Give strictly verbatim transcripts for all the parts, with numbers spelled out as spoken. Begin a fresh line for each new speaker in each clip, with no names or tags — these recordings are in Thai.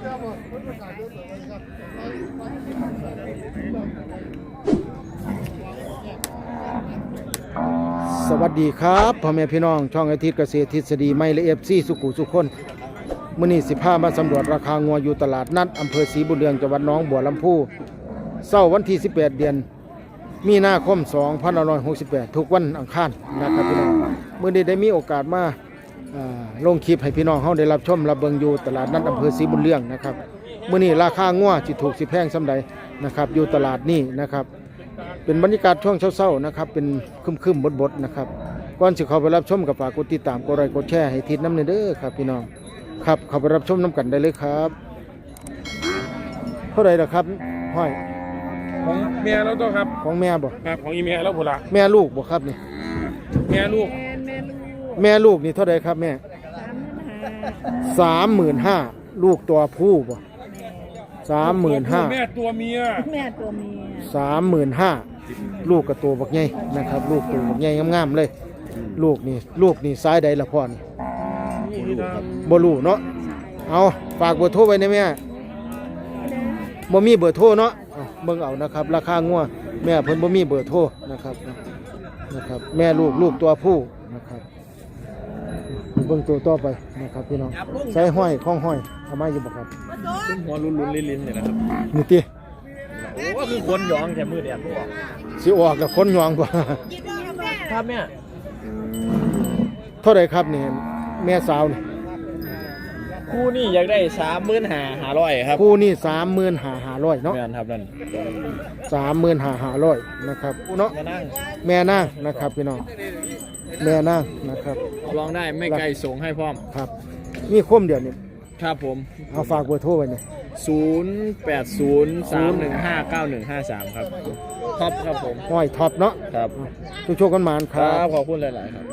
สวัสดีครับพ่อแม่พี่น้องช่องอาทิตย์เกษตรทฤษฎีไม่และเอฟซีสุขุสุขคนมื้อนี้สิพามาสำรวจราคางัวอยู่ตลาดนัดอำเภอศรีบุญเรืองจังหวัดหนองบัวลำพูเช้าวันที่สิบแปดเดือนมีนาคมสองพันห้าร้อยหกสิบแปดทุกวันอังคารนะครับพี่น้องมื้อนี้ได้มีโอกาสมาลงคลิปให้พี่น้องเฮาได้รับชมรับเบิ่งอยู่ตลาดนัดอำเภอศรีบุญเรืองนะครับมื้อนี้ราคางัวสิถูกสิแพงส่ำใดนะครับอยู่ตลาดนี้นะครับเป็นบรรยากาศช่วงเช้าๆนะครับเป็นครึมๆบดๆนะครับก่อนสิเข้าไปรับชมกับฝากกดติดตามกดไลค์กดแชร์ให้ทิศน้ำเด้อครับพี่น้องครับเข้าไปรับชมน้ำกันได้เลยครับเท่าไหร่ล่ะครับห้อย
ของเมียแล้วตัวครับ
ของแม่บ่
ครับของอีเมียแล้วพุ่นล่ะ
แม่ลูกบ่ครับนี่
แม่ลูก
แม่ลูกนี่เท่าไหร่ครับแม่สามหมื่นห้าลูกตัวผู้บ่สามหมื่นห้า
แม่ตัวเมีย
แม่ตัวเมีย
สามหมื่นห้าลูกกับตัวบักใหญ่นะครับลูกตัวบักใหญ่งามๆเลยลูกนี่ลูกนี่ซ้ายใดละพ่อนี่บ่รู้เนาะเอาฝากเบอร์โทรไว้นะแม่บ่มีเบอร์โทรเนาะเบิ่งเอานะครับราคางัวแม่เพิ่นบ่มีเบอร์โทรนะครับนะครับแม่ลูกลูกตัวผู้นะครับเบิ่งตัวต่อไปนะครับพี่น้องใส่ห้อยข้องห้อยเอามาอยู่บ่ครับ
หัวลุ้นๆลิ้นๆเนี่ยนะครับ
นี่ติ
โอ้คือคนหยองแค่มือแดดบ่ออก
สิออกกับคนหยองบ่
ครับแม่
เท่าไหร่ครับนี่แม่สาวนี่
คู่นี่อยากได้ สามหมื่นห้าพันห้าร้อย ครับ
คู่นี่ สามหมื่นห้าพันห้าร้อย เนาะ
แม่นครับนั่น
สามหมื่นห้าพันห้าร้อย นะครับเนาะ
แม่นาง
แม่นางนะครับพี่น้องแม่นางนะครับ
ลองได้ไม่ไกลส่งให้พร้อม
ครับมีคมเดียวนี่
ครับผม
เอาฝากเบอร์โทรไว้นี่
ศูนย์ แปด ศูนย์ สาม หนึ่ง ห้า เก้า หนึ่ง ห้า สาม ครับท็อปครับผม
ห้อยท็อปเนาะ
ครับ
โชคๆกันหมานครับ
ขอบคุณหลายๆครับ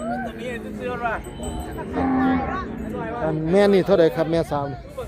อันแม่นี่เท่าไหร่ครับแม่สาว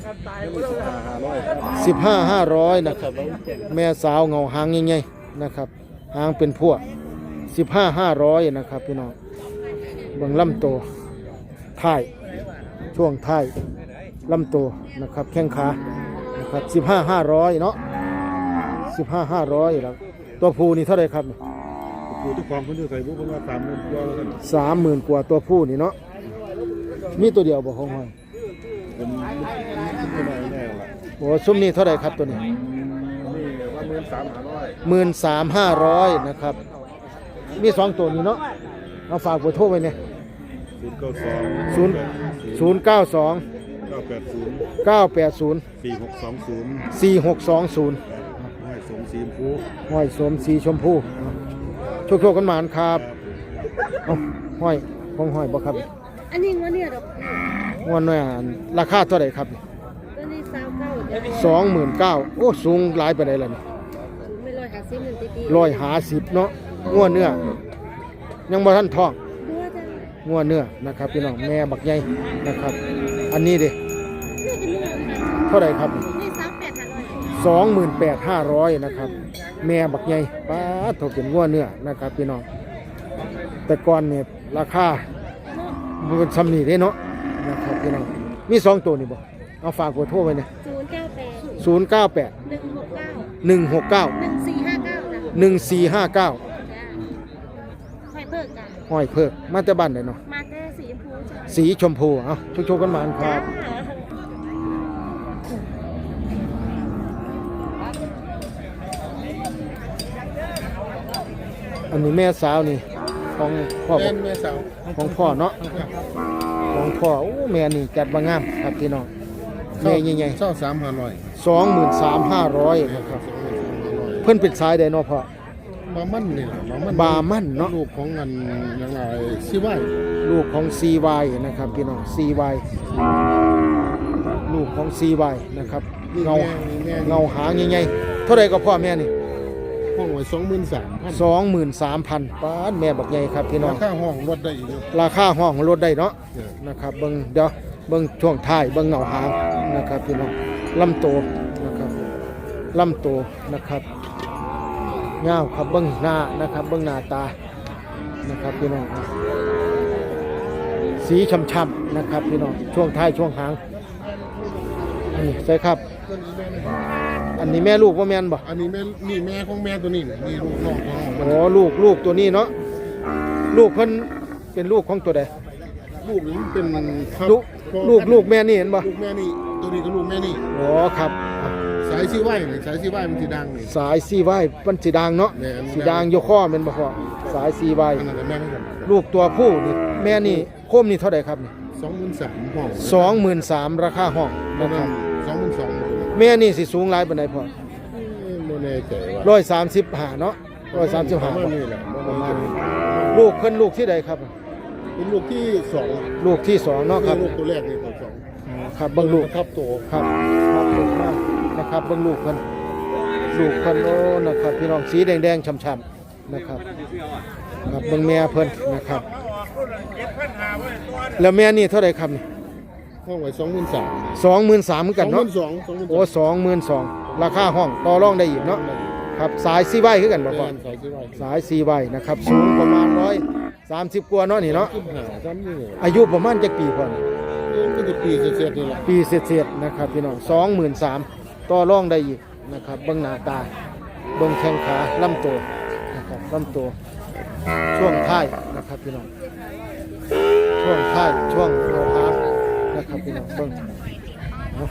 สิบห้าห้าร้อยนะครับแม่สาวเงาหางใหญ่ๆนะครับหางเป็นพวกสิบห้าห้าร้อยนะครับพี่น้องเบิ่งลำโตท้ายช่วงท้ายลำโตนะครับแข้งขานะครับสิบห้าห้าร้อยเนาะสิบห้าห้าร้อยแล้วตัวผู้นี่เท่าไหร่ครับ
ผู้ทุกความคนที่ใส่บุกคนว่าสามหมื่นกว่าแล้วกัน
สามหมื่นกว่าตัวผู้นี่เนาะมีตัวเดียวบ่ของห้อย
เป็นไม่ได้แน่ละ
โอ้ซุ้มนี่เท่าไหร่ครับตัวนี้
นี่ว่าหมื่นสามห้าร้อย
หมื่นสามห้าร้อยนะครับมีสองตัวนี้เนาะเอาฝากเบอร์โทรไว้เนี่ย
ศูนย์เก้าสอง
ศูนย์ศูนย์เก้าสอง
เก้าแปดศูนย์
เก้าแปดศูนย์
สี่หกสองศูนย์
สี่หกสองศูนย์
ห้อยสมสีชมพู
ห้อยสมสีชมพูโชคโชคกันหมานครับเอาห้อยของห้อยบ่ครับ
อันนี้ว่าเนี่ยดอก
งวดน้อยราคาเท่าไหร่ครับ
ตัวนี้สามเก้า
สองหมื่นเก้าโอ้สูงหลายไปไหนล่ะนี่
ไม่ร้อยหาสิบหนึ่งตี
ร้อยหาสิบเนาะงวดเนื้อยังบ่ทันท้องงวดเนื้อนะครับพี่น้องแม่บักใหญ่นะครับอันนี้ดิเท่าไหร่ครับสองหมื่นแปดห้าร้อยนะครับแม่บักใหญ่ป้าถูกเป็นงวดเนื้อนะครับพี่น้องแต่ก่อนเนี่ยราคามันซ้ำนี่ได้เนาะนะครับพี่น้องมีสองตัวนี่บ่เอาฝากกดโทรไว้เนี่ยศูนย์เก้าแปดหนึ่งหกเก้าหนึ่งสี่ห้าเก้าหนึ่งสี่ห้าเก้าห้อยเพิกจ้ะห้อยเพิกมาแต่บ้านไหนเนาะ
มาแต่สีชมพู
สีชมพูเอาโชคๆกันมาครับอันนี้แม่สาวนี่ของพ่อ
แม่สาว
ของพ่อเนาะของพ่อโอ้แม่นี่จัดมางามครับพี่น้องแม่ใหญ่
ๆเช่าสามพันร้อย
สองหมื่นสามห้าร้อยนะครับเพิ่นเป็นสายใดเนาะพ่
อบามันนี่แหละ
บามันเนาะ
ลูกของเงินยังไงซีวาย
ลูกของซีวายนะครับพี่น้องซีวายลูกของซีวายนะครับเงาเงาหางใหญ่ๆเท่าไรก็พ่อแม่นี่
ห้องไว้สองหมื่นสามพัน
สองหมื่นสามพันป้าแม่บักใหญ่ครับพี่น้อง
ราคาห้องลดได้อีก
ราคาห้องลดได้เนาะนะครับเบิ้งเดี๋ยวเบิ้งช่วงท้ายเบิ้งเงาหางนะครับพี่น้องลำโตนะครับลำโตนะครับเงาครับเบิ้งหน้านะครับเบิ้งหน้าตานะครับพี่น้องสีช้ำๆนะครับพี่น้องช่วงท้ายช่วงหางอันนี้ใช่ครับ
ตัวนี้แม่นี่
อันนี้แม่ลูกว่าแม่นบ่
อันนี้แม่นี่แม่ของแม่ตัวนี้นี่นี่ลูกน้องตัวน้องมัน
โอ้ลูกลูกตัวนี้เนาะลูกเพิ่นเป็นลูกของตัวใด
ลูกนี่มันเป็นครับ
ลูกลูกลูกแม่นี่เห็นบ่
ลูกแม่นี่ตัวนี้ก็ลูกแม่นี่
อ๋อครับ
สายซีไว้นี่สายซีไว้มันสีดังนี่
สายซีไว้มันสีดางเนาะ
แม่น
สีดางโยข้อแม่นบ่พ่อสายซีไว้
อันนั้นก็แม่เหมือนกัน
ลูกตัวผู้นี่แม่นี่โคมนี่เท่าใดครับนี่
สองหมื่นสามห้อง
สองหมื่นสามราคาห้อง
นะ
นะ
ค
ค
รั
รั
บบ สองหมื่นสอง
แม่นี่สิสูงหลายปานใดพ่อ
ไม่แน่ใจว่า
ร้อยสามสิบห้าเนาะร้อยสามสิบห้า
ประมาณนี้แหละประมาณนี้
ลูกเพิ่นลูกที่ใดครับ
เป็นลูกที่สอง
ลูกที่สองเนาะครับ
ลูกตัวแรกนี่ตัวสอง
ครับเบิ่งลูก
ทับโต
ครับครับลูกมากนะครับเบิ่งลูกเพิ่นลูกเพิ่นโอ้นะครับพี่น้องสีแดงๆช่ำๆนะครับครับเบิ่งแม่เพิ่นนะครับแล้วแม่นี่เท่าไหร่ครับนี่
ห้องไว้สองหมื่นสาม
สองหมื่นสามเหมือน
ส
กั
อน งห
เนาะ
มื่นสองสองหมื่น
โอ้สองหมื่นสองราคาห้องต่อรองได้อีกเนาะครับสายซีไว้คือกันบ่พ่อ
สายซีไว้
สายซีไว้นะครับสูงประมาณร้อยสามสิบกว่าเนาะนี่เนาะ
ขึ้นหาซ้ำนี่เนี่ย
อายุประมาณจักปีพ่อนี่
ก็จะปีเศษๆนี่แหละ
ปีเศษๆนะครับพี่น้องสองหมื่นสามต่อรองได้อีกนะครับเบิ่งหน้าตาเบิ่งแข้งขาลำตัวนะครับลำตัวช่วงท้ายนะครับพี่น้องช่วงท้ายช่วงเราหางนะครับพี่น้องเบิ่งเอา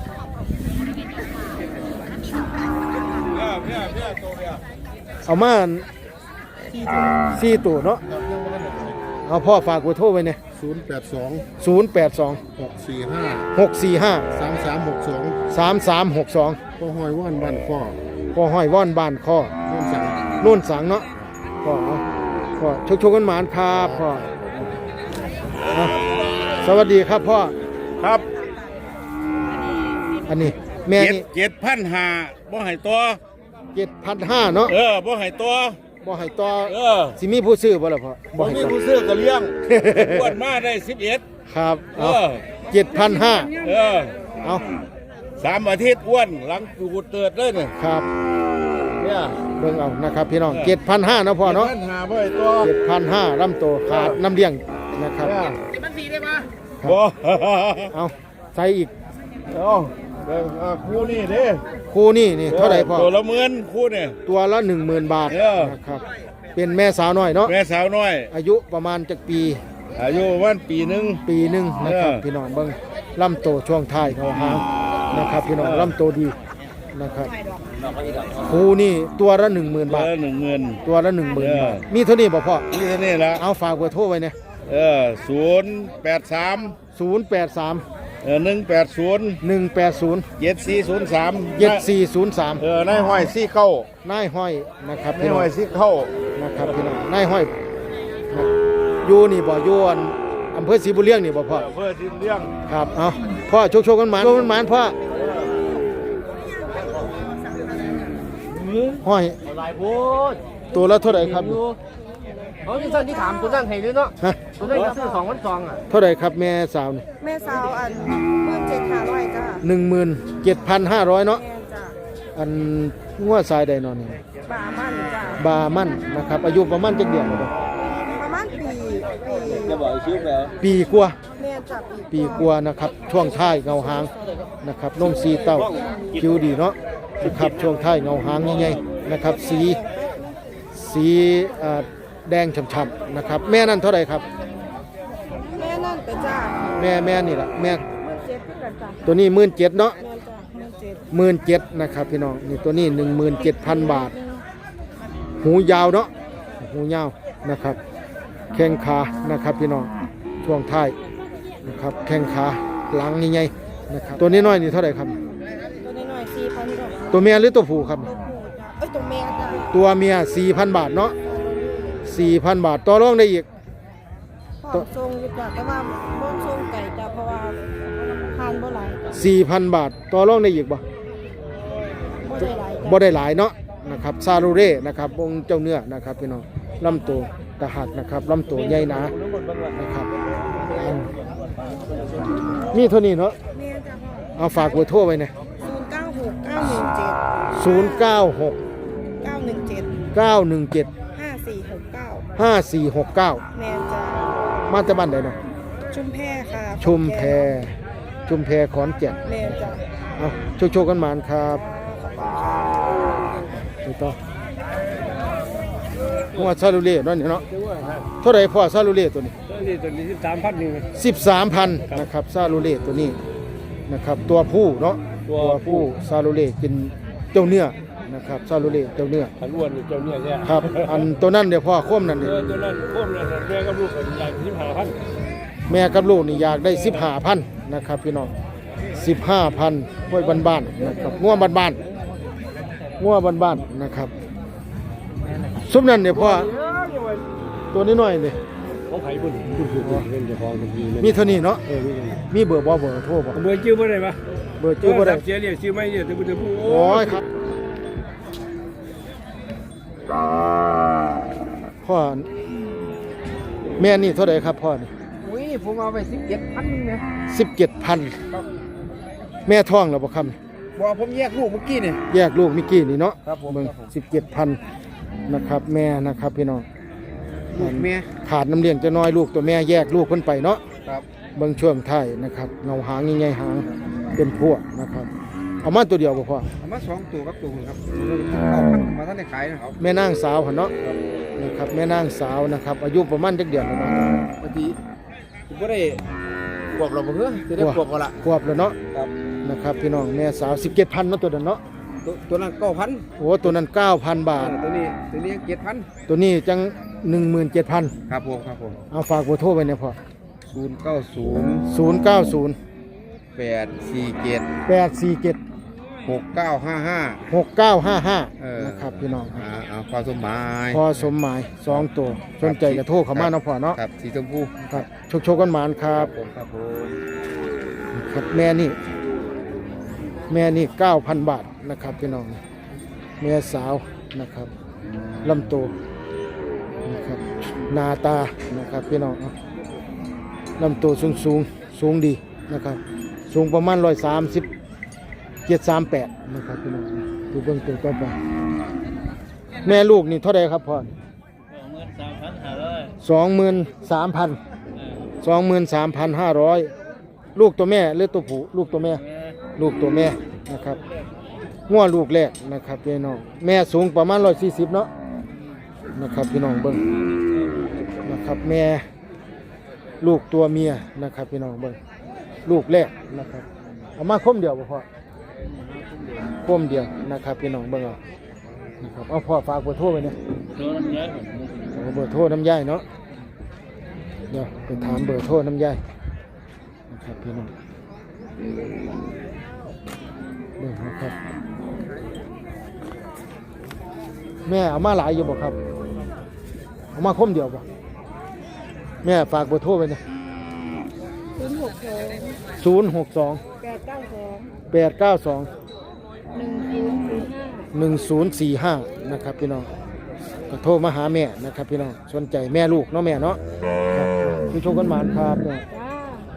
เอามาสี่ตัวเนาะเอาพ่อฝากกูโทรไว้เนี่ย
ศูนย์แปดสอง
ศูนย์แปดสอง
หกสี่ห้า
หกสี่ห้า
สามสามหกสอง
สามสามหกสอง
พ่อหอยว่านบ้านข้อ
พ่อห้อยว่อนบ้านข้อ
โน่นสั่ง
โน่นสังเนาะพ่อเอาพ่อชกชกกันหมานครับพ่อเอาสวัสดีครับพ่อ
ครับ
อันนี้แม่
เจ็ด
นี่
เจ็ดพันหาบ่ให้ตัว
เจ็ดพันห้าเนาะ
เออบ่ให้ตัว
บ่ให้ต่อ
เออ
สิมีผู้ซื้อบ่ล่ะพ่อ
บ่
ให้
มี
ต่อ
ผู้ซื้อก็เลี้ยง อ้วนมาได้สิบเอ็ด
ครับ
เอ
เอา
อ
เจ็ดพันห้า
เออ
เอา
สามอาทิตย์อ้วนหลังกูเติดเลยเนี่ย
ครับ
เนี่ย
เบิ่งเอานะครับพี่น้องเจ็ดพันห้าเนาะพ่อเนาะ
จ็ดพันหาบ่ให้ตัว
เจ็ดพันห้าลำโตขาดน้ำเลี้ยงนะครับ
เนี่ย
ครับ
บ่
เอาใส่อีก
เอาเบิ่งอ่าคู่นี่เด้
คู่นี่นี่เท่าไหร่พ่อ
ตัวละหมื่นคู่เนี่ย
ตัวละหนึ่งหมื่นบาท
เออ
นะครับเป็นแม่สาวน้อยเนาะ
แม่สาวน้อย
อายุประมาณจักปี
อายุประมาณปีหนึง
ปีหนึ่งนะครับ
เออ
พี่น้องเบิ้งลำโตช่วงท้ายเขาหางนะครับพี่น้องลำโตดีนะครับคูนี่ตัวละหนึ่งหมื่น
เบ
บา
อ
ท
ร์หนึ่งหมื่น
ตัวละหนึ่งหมื่น
เออ
บาทมีเท่านี้บ่พ่อ
นี่เท่านี้ละ
เอาฝากเบอร์โทรไว้เนี่ย
เออศูนย์แปดสาม
ศูนย์แปดสาม
เออหนึ่งแปดศูนย์
หนึ่งแปดศูนย์
เจ็ดสี่ศูนย์สาม
เจ็ดสี่ศูนย์สาม
เออนายห้อยซี่เข้าน
ายห้อยนะครับ
นาย
พี่น้อ
ห้
ง
อยซี่เข้า
นะครับพี่น้องนายห้อยนะอยู่นี่บ่อยู่อันอำเภอศรีบุญเลี้ยงนี่บ่พ่อ
เพื่อที่เลี้ยง
ครับ เอาพ่อโชคโชคกันหมานโชคกันหมานพ่อห้อย
หลายพูด
ตัวละเท่าไหร่ครับ
เขาที่สั่นที่ถามคุณนั่นให้ด้วยเนาะ
ฮะ
คุณนั่นก็ซื้อสองพันสองอ่ะ
เท่าไหร่ครับแม่สาวนี่
แม่สาวอันเมื่อเจ็ดห้าร้อยจ้า
หนึ่งหมื่นเจ็ดพันห้าร้อยเนาะ
แม่จ้า
อันงัวสายใดนอนนี่
บามันจ้า
บามั่นนะครับอายุประมาณจักเดือนแล้วบ่
ประมาณปีปี
จะบอกชื่อแล้ว
ปีกว่า
แม่จับปี
ปีกว่านะครับช่วงท้ายเงาหางนะครับนมสีเต้าคิ้วดีเนาะนะครับช่วงท้ายเงาหางใหญ่ๆนะครับสีสีเอ่อแดงฉ่ำๆนะครับแม่นั่นเท่าไหร่ครับ
แม่นั่นเป็นจ้า
แม่แม่นี่แหละแม่
เมื่อเจ็ดเพื่อนจ้า
ตัวนี้หมื่นเจ็ดเนาะ
แม่จ้าเมื่อเจ็ด
หมื่นเจ็ดนะครับพี่น้องนี่ตัวนี้หนึ่งหมื่นเจ็ดพันบาท หูยาวเนาะหูยาวนะครับแข้งขานะครับพี่น้องช่วงท้ายนะครับแข้งขาหลังใหญ่ๆนะครับตัวนี้น้อยนี่เท่าไหร่ครับ
ตัวนี้หน่อยสี่พันดอก
ตัวเมียหรือตัวผู้ครับ
ตัวผู้จ้าเอ้ยตัวแม่จ้า
ตัวเมียสี่พันบาทเนาะสี่พันบาทต่อรองได้อีก
พร้อมทรงอยู่จ้าแต่ว่าบ่ทรงไก่จ้าเพราะว่าทานบ่หลายจ้า
สี่พันบาทต่อรองได้อีกบ่
บ่ได้หลายจ้า
บ่ได้หลายเนาะนะครับซาลูเร่นะครับองค์เจ้าเนื้อนะครับพี่น้องลำตัวตะหักนะครับลำตัวใหญ่หนานะครับอืมมีเท่านี้เนาะ
แม่จ้าพ่อ
เอาฝากเบอร์โทรไว้เนี่ย
ศูนย์เก้าหกเก้าหนึ่งเจ็ด
ศูนย์เก้าหก
เก้าหนึ่งเจ็ด
เก้าหนึ่งเจ็ด
ห้าสี่หกเก้า
ห้าสี่หกเก้า
แมนจ้า
มาจากบ้านใดเนาะ
ชุมแพค่ะ
ชุมแพชุมแพขอนแก่น
แม่จ้ะ
เอาโชคๆกันหมานครับไปต่อหัวซาลูเล่เนาะนี่เนาะเท่าไหร่พ่อซาลูเล่ตัวนี้
ตัวนี้ตัวนี้สิบสามพันหนึ่ง
สิบสามพันนะครับซาลูเล่ตัวนี้นะครับตัวผู้เนาะ
ตัวผู้
ซาลูเล่กินเจ้าเนื้อนะครับซาลูเล่เจ้าเนื้อ
ขันอ้วนเจ้าเนี่ยเนี่ย
ครับอันตัวนั้นเดี๋ยวพ่อโค้มนั่น
เอ
เดี๋ย
อตัวนั้นโค้มนั่นแม่กับลูกกันใหญ่สิบห้าพัน
แม่กับลูกนี่อยากได้สิบห้าพันนะครับพี่น้องสิบห้าพันห้วยบ้านๆนะครับงัวบ้านๆงัวบ้านๆนะครับซุปนั่นเดี๋ยวพ่อตัวนี้หน่อยเลย
เขาไผ่บุญบุญบุญเงินจะพองทันทีเลย
มีเท่านี้เนาะ
เออ
มีเบอร์บ่เบอร์โทรบ่
เบอร์ชื่อบ่ได้ปะ
เบอร์ชื่อบ่ได้
เสียเรียกชื่อไม่เนี่ยแต่บุญจะพูด
โอ้ยครับพ่อแม่นี่เท่าไหร่ครับพ่อนี่
อุ้ยผมเอาไปสิบเจ็ดพันนึงนะ
สิบเจ็ดพันแม่ท้องแล้วบ่ครับ
บอกผมแยกลูกเมื่อกี้เนี่ย
แยกลูกเมิกี้นี่เนาะ
ครับผม
เบิ่งสิบเจ็ดพันนะครับ แม่นะครับพี่น้อง
ลูกแม่
ขาดน้ำเลี้ยงจะน้อยลูกตัวแม่แยกลูกเพิ่นไปเนาะ
ครับ
เบิ่งช่วงท้ายนะครับเงาหางใหญ่ๆหางเป็นพวกนะครับเอามาตัวเดียวบ่พอ
เอามาสองตัวกับตัวนึงครับเอาพันมาท่านได้ขายนะครับ
แม่นางสาวหั่นเนาะนะครับแม่นางสาวนะครับอายุประมาณจักเดือนแล้วเนาะ
ปกติผมก็ได้บวกเราบ่เพื่อจะได้บวกกันละ
ขวบแล้วเนาะ
ครับ
นะครับพี่น้องแม่สาวสิบเจ็ดพันเนาะตัวนั้นเนาะ
ตัวตัวนั้นเก้าพัน
โอ้ตัวนั้นเก้าพันบาท
ตัวนี้ตัวนี้เจ็ดพัน
ตัวนี้จังหนึ่งหมื่นเจ็ดพัน
ครับผมครับผม
เอาฝากเบอร์โทรไว้เนี่ยพอ
ศูนย์เก้าศูนย์
ศูนย์เก้าศูนย์
แปดสี่เจ็ด
แปดสี่เจ็ด
หกเก้าห้าห้า
หกเก้าห้าห้า
เออ
นะครับพี่น้อง
อ่าอ่าความสมหมาย
พอสมหมายสองตัวสนใจกระโทรเข้ามาเนาะพ่อเนาะ
ครับสีชมพู
ครับโชคโชคกันหมานครับ
ผมครับผม
ครับแม่นี่แม่นี่เก้าพันบาทนะครับพี่น้องแม่สาวนะครับลำตัวนะครับหนาตานะครับพี่น้องเอาลำตัวสูงสูงสูงดีนะครับสูงประมาณร้อยสามสิบเจ็ดสามแปดนะครับพี่น้องดูเบื้องตัวต่อไปแม่ลูกนี่เท่าไรครับพ่อสองหมื่นสามพันสองหมื่นสามพันห้าร้อยลูกตัวแม่หรือตัวผู้ลูกตัวแม่ลูกตัวแม่นะครับงัวลูกแรกนะครับพี่น้องแม่สูงประมาณร้อยสี่สิบเนาะนะครับพี่น้องเบิ้งนะครับแม่ลูกตัวเมียนะครับพี่น้องเบิ้งลูกแรกนะครับเอามาคมเดียวบ่พอคมเดียวนะครับพี่น้องเบิ้งเอานะครับเอาพ่อฝากเบอร์โทรไว้เนี่ยเอาเบอร์โทรน้ำย่ายเนาะเดี๋ยวไปถามเบอร์โทรน้ำย่ายนะครับพี่น้องเบิ่งนะครับแม่เอามาหลายอยู่บ่ครับเอามาคมเดียวบ่แม่ฝากเบอร์โทรไว้เนี่ย
ศูนย์หกสอง
ศูนย์หกสอง
แปดเก้าสอง
แปดเก้าสอง
หนึ่งศูนย์ศูนย์ห้า
หนึ่งศูนย์สี่ห้านะครับพี่น้องก็โทรมาหาแม่นะครับพี่น้องสนใจแม่ลูกเนาะแม่เนาะครับผู้ชมกันหมานครับเนี่ย
จ้า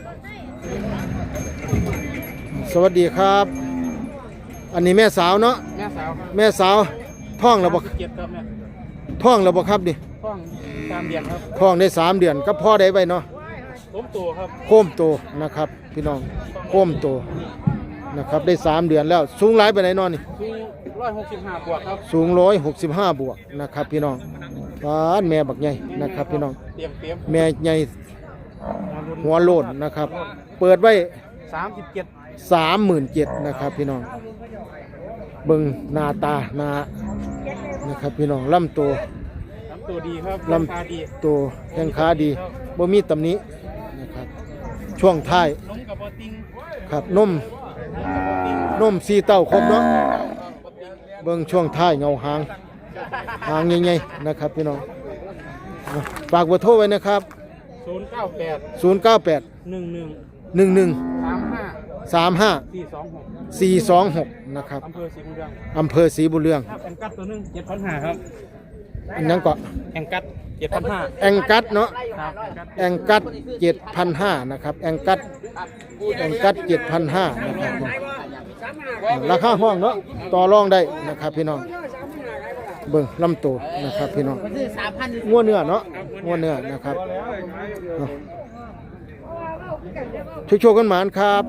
สวัสดีครับ อันนี้แม่สาวเนาะ
แม่สาวครับ
แม่สาวท้องแล้วบ่
เจ็ดครับแม่
ท้องแล้วบ่ครับนี่
ฟ้องตามเดียนครับ
ท้องได้สามเดือนก็พ่อได้ไว้เนาะ
ล้มตัวครับ
โค้มโตนะครับพี่น้องโค้มโตนะครับได้สามเดือนแล้วสูงหลายไปไหนนอนนี่
คือร้อยหกสิบห้าบวกครับ
สูงร้อยหกสิบห้าบวกนะครับพี่น้องบ้านแม่บักใหญ่นะครับพี่น้อง
เตรียมเตรียม
แม่ใหญ่หัวโลนนะครับ เปิดไว้
สามสิบเจ็ด
สามหมื่นเจ็ดนะครับพี่น้องเบิ่งหน้าตาหน้านะครับพี่น้องลำตัว
ลำตัวดีครับ
ล
ราคาดี
ำตัวแข้งขาดีบ่มีตำหนินะครับช่วงท้าย
ล้มกับปอติง
ครับนมนมสีเต้าครบเนาะเบิ่งช่วงท้ายเงาหางหางใหญ่ๆนะครับพี่น้องอ่ะฝากเบอร์โทรไว้นะครับ
ศูนย์เก้าแปด
ศูนย์ เก้า แปด
หนึ่งหนึ่ง
หนึ่ง หนึ่ง
สามห้า
สาม ห้า
สี่สองหก
สี่ สอง หกนะครับ
อำเภอศรีบุญเรือง
อำเภอศรีบุญเรือง
ครับแองกัดตัวหนึงเจ็ดพันห้าครับ
อันนั้นก็
แองกัดเจ็ดพันห้า
แองกัดเนาะ
ครับแองกัด
แองกัดเจ็ดพันห้านะครับแองกัดแองกัดเจ็ดพันห้านะครับราคาห้องเนาะต่อรองได้นะครับพี่น้องเบิ่งลำตัวนะครับพี่น้องงัวเนื้อเนาะงัวเนื้อนะครับเอาโชคๆกันหมานครับ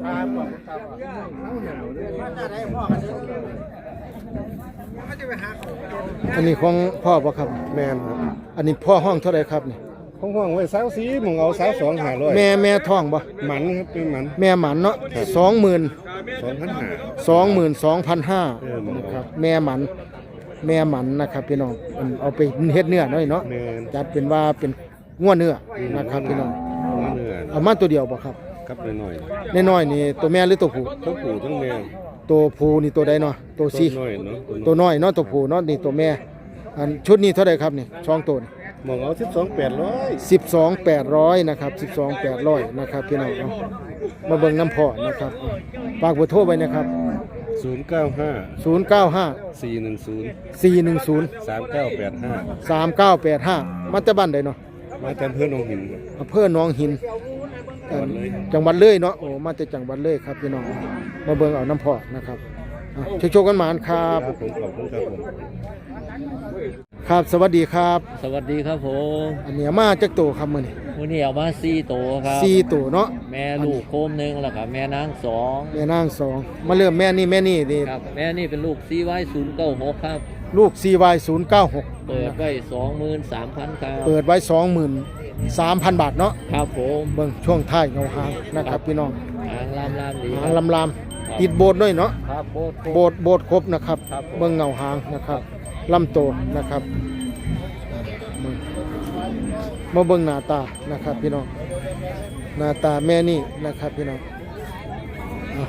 อันนี้ของพ่อปะครับ
แม่นครับ
อันนี้พ่อห้องเท่าไหรครับนี่
ห้องห้องไว้สาวสีหมองเอาสาวสองหาร้อย
แม่แม่ท้องบ่
หมันครับเป็นหมัน
แม่หมันเนาะสองหมื่น
สองพันหา
สองหมื่นสองพันห้า
เออหมด
นะครับแม่หมันแม่หมันนะครับพี่น้องอันเอาไปเฮ็ดเนื้อหน่อยเนาะ
แม่น
จัดเป็นว่าเป็นงัวเนื้อนะครับพี่น้อง
หัวเนื้อ
เอามาตัวเดียวบ่ครับ
กับน้อย
น้อยๆนี่ตัวแม่หรือตัวผู้
ๆทั้งปู่ทั้งแม่
ตัวผู้นี่ตัวใดเนาะตัวซี
น้อยเนาะ
ตัวน้อยเนาะตัวผู้เนาะนี่ตัวแม่อันชุดนี้เท่าไหร่ครับนี่ช่องตัวนี่
หมองเอาสิบสองแปดร้อย
สิบสองแปดร้อยนะครับสิบสองแปดร้อยนะครับพี่น้องเอามาเบิ่งน้ำพอนะครับฝากเบอร์โทรไว้นะครับ
ศูนย์เก้าห้า
ศูนย์เก้าห้า
สี่หนึ่งศูนย์
สี่หนึ่งศูนย์
สามเก้าแปดห้า
สามเก้าแปดห้ามาจากบ้านใดเนาะ
มาแต่เพื่อนน้องหิน
อำเภอหนองหินเอ่อจังหวัดเลยเนาะโอ้มาจากจังหวัดเลยครับพี่น้องมาเบิ่งเอาน้ำพอนะครับอ่ะโชคๆกันหมานครับ
ครับผมขอบคุณครับผม
ครับสวัสดีครับ
สวัสดีครับผม
อันนี้มาจากตัวครับมื้อนี้
วันนี้เอามาสี่ตัวครับ
สี่ตัวเนาะ
แม่ลูกโคมหนึ่งแล้วก็แม่นางสอง
แม่นางสองมาเริ่มแม่นี่แม่นี่นี่
ครับแม่นี่เป็นลูกซีไว้ศูนย์เก้าหกครับ
ลูก ซี วาย ศูนย์เก้าหก
เปิดไว้สองหมื่นสามพันครับ
เปิดไว้ สองหมื่นสามพัน บาทเนาะ
ครับผม
เบิ่งช่วงท้ายเงาหางนะครับพี่น้อง
หางลามลามดี
หางลำลามติดโบสถ์ด้วยเนาะ
ครับโบด
โบสถ์โบสถ์ครบนะครับ
ครับผม
เบิ่งเงาหางนะครับลำโตนะครับเบิ่งมาเบิ่งหน้าตานะครับพี่น้องหน้าตาแม่นี่นะครับพี่น้องเอา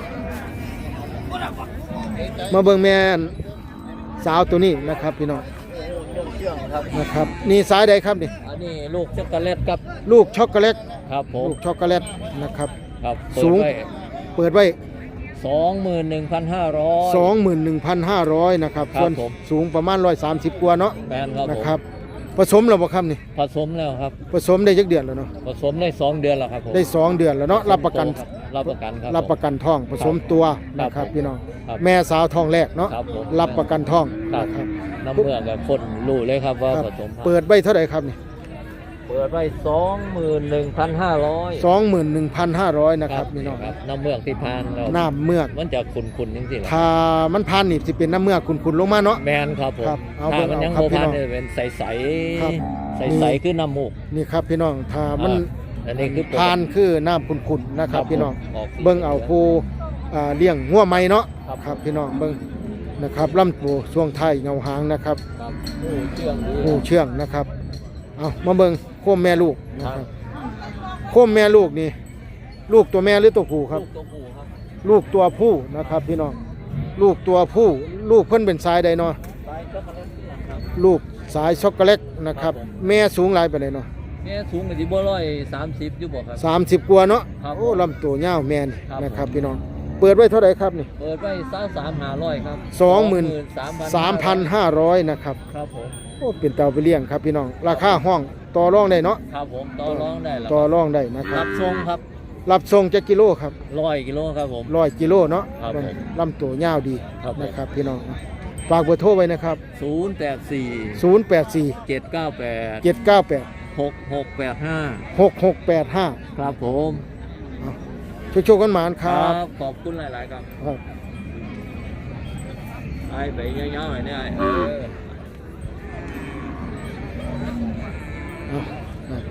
มาเบิ่งแม่สาวตัวนี้นะครับพี่น้องนะครับนี่สายใดครับนี่
อันนี้ลูกช็อกโกแลตครับ
ลูกช็อกโกแลต
ครับผม
ลูกช็อกโกแลตนะครับ
ครับ
สูง เปิดไว้
สองหมื่นหนึ่งพันห้าร้อย
สองหมื่นหนึ่งพันห้าร้อยนะครับ
ครับ
ส่วน
ผม
สูงประมาณร้อยสามสิบกว่าเนาะ
แมนครับ
นะ
ผม
ครับผสมแล้วบ่ครับนี่
ผสมแล้วครับ
ผสมได้จักเดือนแล้วเนาะ
ผสมได้สองเดือนแล้วครับผม
ได้สองเดือนแล้วเนาะรับประกัน
ครับรับประกันครับ
รับประกันท้องผสมตัว
ครับ
นะครับ
ผม
พี่น้อง
ครับ
แม่สาวท้องแรกเนาะ
ครับผม
รับประกันท้อง
ครับ
นะครับ
น้ำเมือกกับคนรู้เลยครับว่า
ครับ
ผสมพันธุ์
เปิดไว้เท่าไหร่ครับนี่
เปิดไว้สองหมื่นหนึ่งพันห้าร้อย
สองหมื่นหนึ่งพันห้าร้อยนะครับพี่น้อง
ครับน้ำเมือกที่พานเรา
น้ำเมือก
มันจะขุนๆจริงๆแหละ
ถ้ามันพันนี่สิเป็นน้ำเมือกขุ่นๆลงมาเนาะ
แมนครับผม
ครับเอา
ถ้ามัน
เอา
ยัง
ครับ
โบ
พี่
พาน
น้อง
เนี่ยเป็นใส
ครับ
ๆใสๆคือน้ำมูก
นี่ครับพี่น้องถ้ามัน
อ่าอันนี้คือ
ทานคือน้ำขุ่นๆนะครับพี่น้อง
ออกสี
เบิ่งเอาผู้อ่าเลี้ยงงัวไหม้เนาะ
ครับ
ครับพี่น้องเบิ่งนะครับลำตัวช่วงท้ายเงาหางนะครับ
ครับโอ้เชื่องดี
หูเชื่องนะครับเอามาเบิ่งโคมแม่ลูกนะ
ค
ค
รั
รั
บบ
โคมแม่ลูกนี่ลูกตัวแม่หรือตัวผู้ครับ
ลูกตัวผู้ครับ
ลูกตัวผู้นะครับพี่น้องลูกตัวผู้ลูกเพิ่นเป็นสายใดเนาะ
สายช็อกโกแลตเชื่องครับ
ลูกสายช็อกโกแลตนะครับแม่สูงหลายปานใดเนาะ
แม่สูงกับที่บ่ร้อยสามสิบอยู่บ่ครับ
สามสิบกว่าเนาะ
ครับ
โอ้ลำตัวยาวแม่น
ครับ
นะครับพี่น้องเปิดไว้เท่าไหร่ครับนี่
เปิดไว้สามสามหาร้อยครับ
สองหมื่น สามพัน
ห้า
ห้าร้อยนะครับ
ครับผม
โอ้เป็นเตาไปเลี้ยงครับพี่น้องราคาห้องต่อรองได้เนาะ
ครับผมต่อรองได้แล้ว
ต่อรองได้นะครั
รั
บบ
ทรงครับ
รับส่งจักกิโลครับ
ร้อยกิโลครับผม
ร้อยกิโลเนาะ
ครับผม
ลำตัวยาวดี
ครับผม
นะครับพี่น้องฝากเบอร์โทรไว้นะครับ
ศูนย์แปดสี่
ศูนย์แปดสี่
เจ็ดเก้าแปด
เจ็ดเก้าแปด
หกหกแปดห้า
หกหกแปดห้า
ครับผม
ช่วยโชคกันหมานครับ
ขอบคุณหลาย ๆ ครับ
ครับ
ไอ้ไปเยอะๆหน่อยเนี่ยเออ
เอาครับ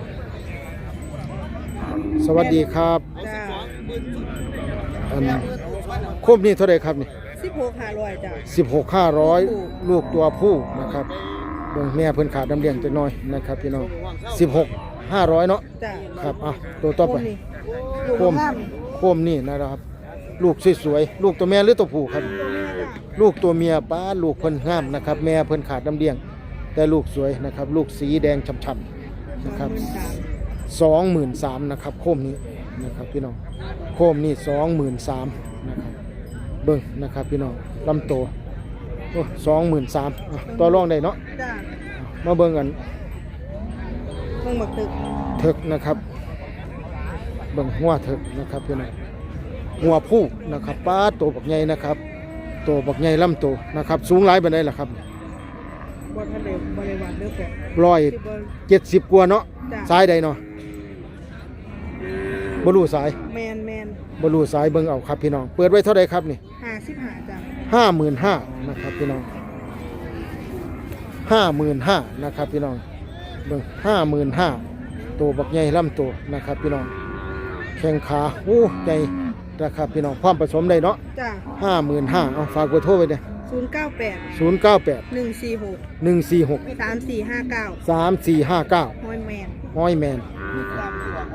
สวัสดีครับ
จ้า
อันโคมนี่เท่าไหรครับนี่
สิบหกห้าร้อยจ้า
สิบหกห้าร้อยลูกตัวผู้นะครับเบิ่งแม่เพิ่นขาดน้ำเลี้ยงจักหน่อยนะครับพี่น้องสิบหกห้าร้อยเนาะ
จ้า
ครับอ่ะตัวต่อไป
นี่
โคมโคมนี่นะครับ ลูกสวยๆลูกตัวแม่หรือตัวผู้ครับ ลูกตัวเมียป้าลูกเพิ่นงามนะครับ แม่เพิ่นขาดน้ำเลี้ยง แต่ลูกสวยนะครับ ลูกสีแดงช่ำๆนะครับสองหมื่นสามนะครับโคมนี้นะครับพี่น้องโคมนี่สองหมื่นสามนะครับเบิ่งนะครับพี่น้องลำโตโอ้สองหมื่นสามต่อรองได้เนาะ
จ้า
มาเบิ่งกัน
เพิ่งมาตึก
เถิกนะครับเบิ่งหัวเถิกนะครับพี่น้องหัวผู้นะครับป้าโตบักใหญ่นะครับโตบักใหญ่ลำโตนะครับสูงหลายปานใดล่ะครับ
บนทะเลบริวารเลือกแบบ
ร้อย
ที่บน
เจ็ดสิบกว่าเนาะ
จ้ะ
ซ้ายใดเนาะบ่รู้สาย
แมนแมน
บ่รู้สายเบิ่งเอาครับพี่น้องเปิดไว้เท่าใดครับนี่
ห้าสิบห้าจ้ะ
ห้าหมื่นห้านะครับพี่น้องห้าหมื่นห้านะครับพี่น้องเบิ่งห้าหมื่นห้าตัวบักใหญ่ลำตัวนะครับพี่น้องแข้งขาโอ้ใหญ่นะครับพี่น้องความผสมได้เนาะ
จ้ะ
ห้าหมื่นห้าเอาฝากเบอร์โทรไว้เด้
ศูนย์เก้าแปด
ศูนย์เก้าแปด
หนึ่งสี่หก
หนึ่งสี่หก
สามสี่ห้าเก้า
สามสี่ห้าเก้า
ฮอยแมน
ห้อยแมนนี่ครับ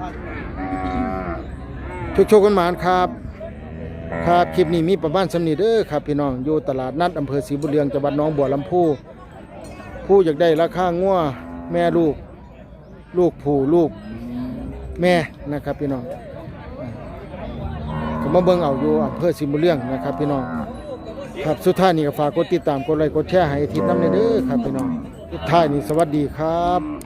โชคๆกันหมานครับครับคลิปนี้มีประมาณสำนีเด้อครับพี่น้องอยู่ตลาดนัดอำเภอศรีบุญเรืองจังหวัดหนองบัวลำพูผู้อยากได้ราคางัวแม่ลูกลูกผู้ลูกแม่นะครับพี่น้องผมมาเบิ่งเอาอยู่อำเภอศรีบุญเรืองนะครับพี่น้องครับสุดท้ายนี้ก็ฝากกดติดตามกดไลค์กดแชร์ให้อาทิตย์น้ำเด้อครับพี่น้องสุดท้ายนี้สวัสดีครับ